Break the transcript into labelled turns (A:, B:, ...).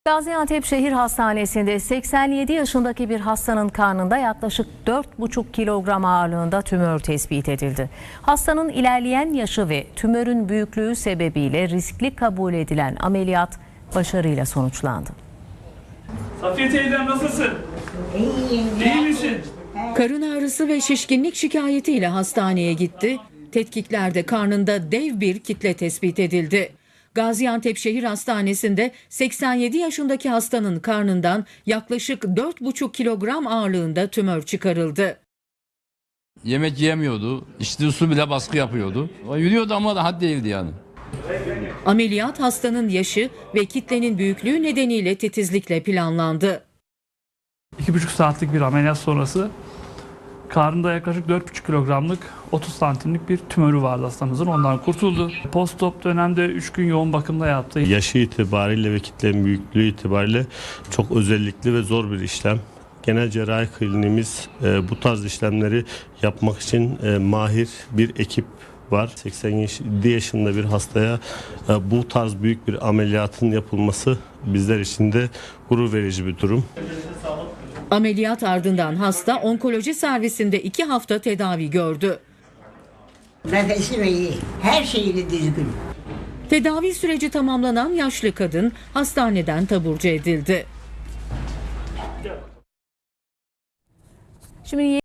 A: Gaziantep Şehir Hastanesi'nde 87 yaşındaki bir hastanın karnında yaklaşık 4,5 kilogram ağırlığında tümör tespit edildi. Hastanın ilerleyen yaşı ve tümörün büyüklüğü sebebiyle riskli kabul edilen ameliyat başarıyla sonuçlandı.
B: Safiye teyzem nasılsın?
C: İyiyim.
B: İyi misin?
D: Karın ağrısı ve şişkinlik şikayetiyle hastaneye gitti. Tetkiklerde karnında dev bir kitle tespit edildi. Gaziantep Şehir Hastanesi'nde 87 yaşındaki hastanın karnından yaklaşık 4,5 kilogram ağırlığında tümör çıkarıldı.
E: Yemek yiyemiyordu, içtiği su bile baskı yapıyordu. O yürüyordu ama daha değildi yani.
D: Ameliyat hastanın yaşı ve kitlenin büyüklüğü nedeniyle titizlikle planlandı.
B: 2,5 saatlik bir ameliyat sonrası karnında yaklaşık 4,5 kilogramlık 30 santimlik bir tümörü vardı hastamızın. Ondan kurtuldu. Postop dönemde 3 gün yoğun bakımda yattı.
F: Yaşı itibariyle ve kitlenin büyüklüğü itibariyle çok özellikli ve zor bir işlem. Genel cerrahi kliniğimiz bu tarz işlemleri yapmak için mahir bir ekip var. 87 yaşında bir hastaya bu tarz büyük bir ameliyatın yapılması bizler için de gurur verici bir durum.
D: Ameliyat ardından hasta onkoloji servisinde 2 hafta tedavi gördü.
C: Nefesi iyi. Her şeyini düzgün.
D: Tedavi süreci tamamlanan yaşlı kadın hastaneden taburcu edildi.
A: Şimdi